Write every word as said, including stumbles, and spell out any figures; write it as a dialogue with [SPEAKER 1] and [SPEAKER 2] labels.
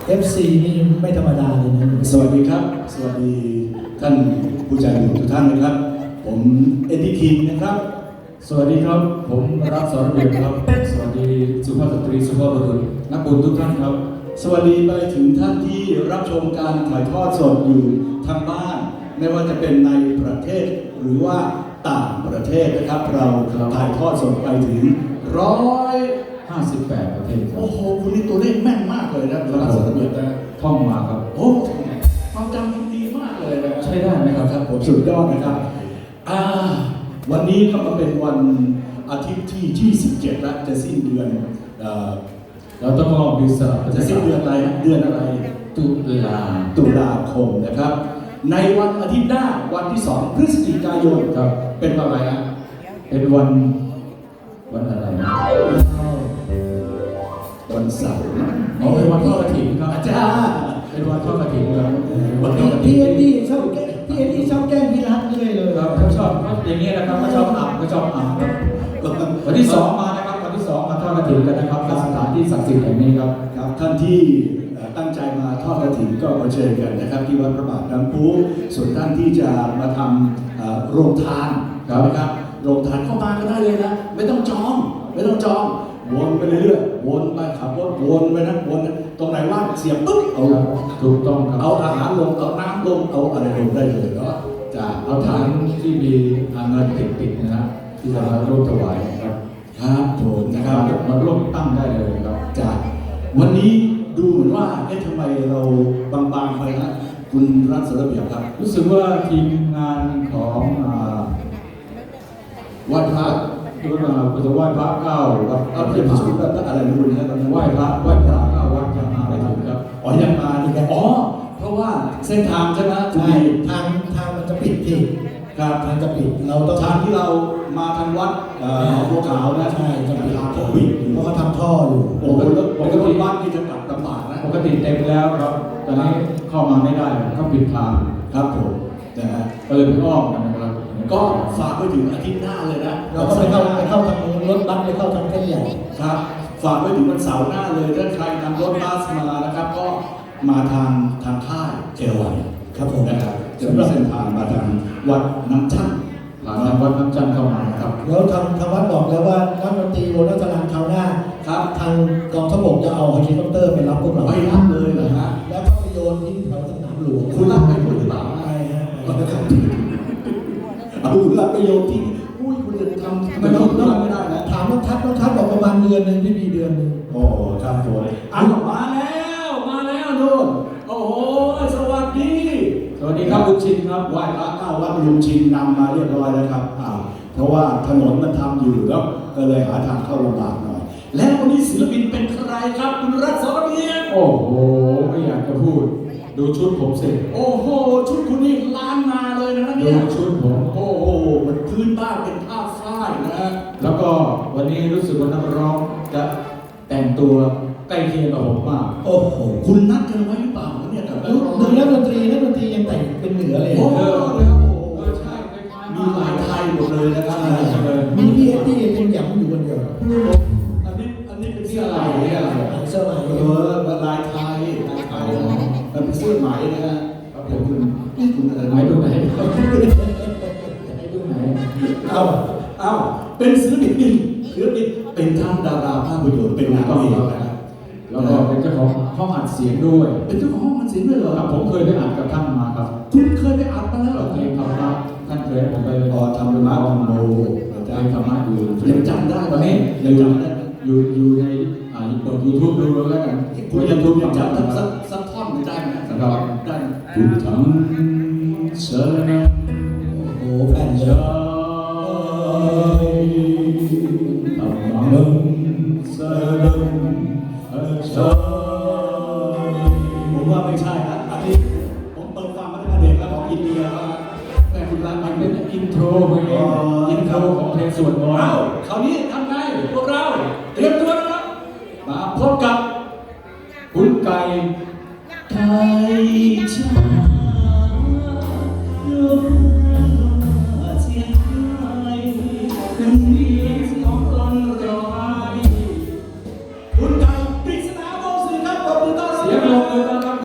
[SPEAKER 1] เอฟ ซี นี่ไม่ธรรมดาเลยนะ
[SPEAKER 2] สวัสดีครับสวัสดีท่านผู้ใจบุญทุกท่านนะครับผมเอ็ดดี้คิงนะครับ
[SPEAKER 3] สวัสดีครับผมรักสอนเบียร์ครับสวัสดีสุภาพสตรีสุภาพบุรุษนักบุญทุกท่านครับ
[SPEAKER 2] สวัสดีไปถึงท่านที่รับชมการถ่ายทอดสดอยู่ทางบ้านไม่ว่าจะเป็นในประเทศหรือว่าต่างประเทศนะครับเราถ่ายทอดสดไปถึงร้อย
[SPEAKER 3] ห้าสิบแปดประเทศ
[SPEAKER 2] โอ้โหคุณนี่ตัวเลขแม่นมากเลยนะรักสอนเบียร์
[SPEAKER 3] ท่องมาครับ
[SPEAKER 2] โอ้ความจำคุณดีมากเลยนะ
[SPEAKER 3] ใช่ได้ไหมครับ
[SPEAKER 2] ครับผมสุดยอดนะครับอ่าวันนี้ก็มาเป็นวันอาทิตย์ที่ยี่สิบเจ็ดแล้วจะสิ้นเดือน
[SPEAKER 3] เราต้องลองดูสลับ
[SPEAKER 2] จะสิ้นเดือนอะไรเดือนอะไร
[SPEAKER 3] ตุลา
[SPEAKER 2] ตุลาคมนะครับในวันอาทิตย์หน้าวันที่สองพฤศจิกายน
[SPEAKER 3] ครับ
[SPEAKER 2] เป็นวันอะไรฮะ
[SPEAKER 3] เป็นวันวันอะไรนะ
[SPEAKER 2] วันเสาร์
[SPEAKER 3] อ๋อเป็นวันทอดกฐินครับ
[SPEAKER 2] อาจารย์
[SPEAKER 3] เป็นวันทอดกฐินครับ
[SPEAKER 1] วันที่พี่เอ็ดดี้ชอบพี่เอ็ดดี้ชอบแกล้งพี่รัฐเลยเลย
[SPEAKER 3] ครับเขาชอบอย่างนี้นะครับเขาชอบอ่ำเขาชอบอ่ำครับวันที่สองมานะครับวันที่สองมาทอดกฐินกันนะครับสถานที่ศักดิ์สิทธิ์แห่งนี้ครับ
[SPEAKER 2] ครับท่านที่ตั้งใจมาทอดกฐินก็มาเชิญกันนะครับที่วัดพระบาทน้ำพุส่วนท่านที่จะมาทำโรงทานนะครับโรงทานเข้ามาก็ได้เลยนะไม่ต้องจองไม่ต้องจองวนไปเรื่อยๆวนไปขับรถวนไปนะวนตรงไหนว่างเสียบปุ๊บเอา
[SPEAKER 3] ถูกต้องครับ
[SPEAKER 2] เอาอาหารลงเอาน้ำลงเอาอะไรลงได้เลยเนาะ
[SPEAKER 3] จะเอาถังที่มีเงินติดๆนะที่จะมาร่วมถวายครับ
[SPEAKER 2] ครับผมนะครับ
[SPEAKER 3] มาร่วมตั้งได้เลยครับ
[SPEAKER 2] จากวันนี้ดูเหมือนว่าเอ๊ะทำไมเราบางๆไปนะคุณรัฐสระเบียบครับ
[SPEAKER 3] รู้สึกว่าทีมงานของ
[SPEAKER 2] วัดพระ
[SPEAKER 3] ดูนะปัจจุบันพระเก้าวัด
[SPEAKER 2] เอาเรียกชุดอะไรนะคุณนะตอนนั้น
[SPEAKER 3] ไหว้พระไหว้พระเก้าวัดยังมาไม่ถึงครับ
[SPEAKER 2] อ๋อยังมาดีกันอ๋อเพราะว่าเส้นทางใช่ไหม
[SPEAKER 1] ใช่ทางทางมันจะปิดที่
[SPEAKER 2] ครับ
[SPEAKER 1] ทางจะปิดเราต้อง
[SPEAKER 2] ทางที่เรามาทางวัดบัวขาวนะ
[SPEAKER 1] ใช่จะปิด
[SPEAKER 2] ทางปิด
[SPEAKER 1] เพราะเขาทำท่ออยู่
[SPEAKER 2] โอ้โหแล้วปกติวัดนี่จะกลับลำบากนะ
[SPEAKER 3] ปกติเต็มแล้วครับตอนนี้เข้ามาไม่ได้เขาปิดทาง
[SPEAKER 2] ครับผมนะฮะ
[SPEAKER 3] ก็เลยไปอ้อมกันนะครับ
[SPEAKER 2] ก็ฝากไปถึงอาทิตย์หน้าเลยนะ
[SPEAKER 1] เราก็ไปเข้าไปเข้าทางรถบัสไปเข้าทางเส้นใหญ่
[SPEAKER 2] ครับฝากไปถึงวันเสาร์หน้าเลยถ้าใครนำรถบัสมานะครับก็มาทางทางค่ายเจริญครับผมนะครับจะมีเส้นทางมาทางวัดน้ำจันทร์
[SPEAKER 3] ผ่านทางวัดน้ำจันทร์เข้ามาครับ
[SPEAKER 1] แล้วทางทางวัดบอกแล้วว่านักดนตรีวงรัตนคราวหน้า
[SPEAKER 2] ครับ
[SPEAKER 1] ทางกองทัพบกจะเอาเฮลิคอปเตอร์ไปรับพวกเรา
[SPEAKER 2] ไปรับเลยเหรอฮะ
[SPEAKER 1] แล้วก็ไปโยนที่แถวสนามหลวง
[SPEAKER 2] คุณรับไปหรือเปล่า
[SPEAKER 1] ไม่ฮะ
[SPEAKER 2] เอารับไปโยนที่อุ้ยคุณจะทำไม่ต้องต้องไม่ได้นะ
[SPEAKER 1] ถามน้องทัศน์น้องทัศน์บอกประมาณเดือนหนึ่งพี่มีเดือนหนึ่ง
[SPEAKER 2] โอ้ครับผมอ่ะมาแล้วมาแล้วนู่นโอ้โหสวัสดี
[SPEAKER 3] สวัสดีครับลุงชินครับ
[SPEAKER 2] ไหว้พระเก้าวัดลุงชินนำมาเรียบร้อยแล้วครับอ่าเพราะว่าถนนมันทำอยู่แล้วก็เลยหาทางเข้าลำบากหน่อยแล้ววันนี้ศิลปินเป็นใครครับคุณรัฐสรเบียร์
[SPEAKER 3] โอ้โหไม่อยากจะพูดดูชุดผมสิ
[SPEAKER 2] โอ้โหชุดคุณนี่ล้านนาเลยนะเนี่ย
[SPEAKER 3] ดูชุดผม
[SPEAKER 2] โอ้โหมันพื้นบ้านเป็นผ้าฝ้ายนะฮะ
[SPEAKER 3] แล้วก็วันนี้รู้สึกว่านักร้องจะแต่งตัวใกล้เคียงกับผมมาก
[SPEAKER 2] โอ้โหคุณนัดกันไว้หรือเปล่าเนี่ยกับ
[SPEAKER 1] ดูนักดนตรีนักดนตรียังแต่งเป็นเหนือเลย
[SPEAKER 2] โอ้โหเลยครับโอ้โหใช่มีหลายไทยหมดเลยนะครับ
[SPEAKER 1] มีพี่เอ็ดดี้เป็นหยำอยู่คนเดียว
[SPEAKER 2] อันนี้อันนี้เป็นเสื้อลายเนี่ย
[SPEAKER 1] เสื้อลาย
[SPEAKER 2] เออลายไทยลายไทยมันเป็นเสื้อไหมนะฮะครับผมคุณคุณอะไรไหม
[SPEAKER 3] ตรงไหนไหนตรงไหน
[SPEAKER 2] เอ้าเอ้าเป็นศิลปินศิลปินเป็นทั้งดาราภาพยนตร์เป็นนักเอกนะครับ
[SPEAKER 3] แล้วก็เป็นเจ้าของห้องอัดเสียงด้วย
[SPEAKER 2] เป็นเจ้าของห้องอัดเสียงด้วยเหรอ
[SPEAKER 3] ครับผมเคยไปอัดกับท่านมาครับ
[SPEAKER 2] คุณเคยไปอัดมาแล้วเหรอ
[SPEAKER 3] เพลงธรรมะท่านเคยให้ผมไป
[SPEAKER 2] อ๋อทำเป็นมาทำโม
[SPEAKER 3] เพลงธรรมะอยู่
[SPEAKER 2] ยังจำได้
[SPEAKER 3] ตอนนี้ยังจำได้อยู่อยู่ในอ่าเปิดยูทูบดูแล้วกัน
[SPEAKER 2] คุณยูทูบยังจำสักสักท่อนไม่ได้ไหมสักท่อนได้
[SPEAKER 3] พุทธังสรณัง
[SPEAKER 1] โอ้แผ่นเยอะ
[SPEAKER 3] ธัมมังสรณังคัจฉา
[SPEAKER 2] ผมว่าไม่ใช่นะอันนี้ผมเปิดฟังมาตั้งแต่เด็กแล้วของอินเดียแต่คุณรักมันเป็น
[SPEAKER 3] อินโทรเพลงอินโทรของเพลงสวดมนต์
[SPEAKER 2] เอ้าคราวนี้ทำไงพวกเราเตรียมตัวนะครับมาพบกับ
[SPEAKER 3] คุณไก่
[SPEAKER 2] ไทยชาโยเสียงไทยเป็นดีของคนรอคุณไก่ปริศนาวงศ์สื่อครับขอบคุณต้อนรับ
[SPEAKER 3] เสียงลงมือต้อนรับ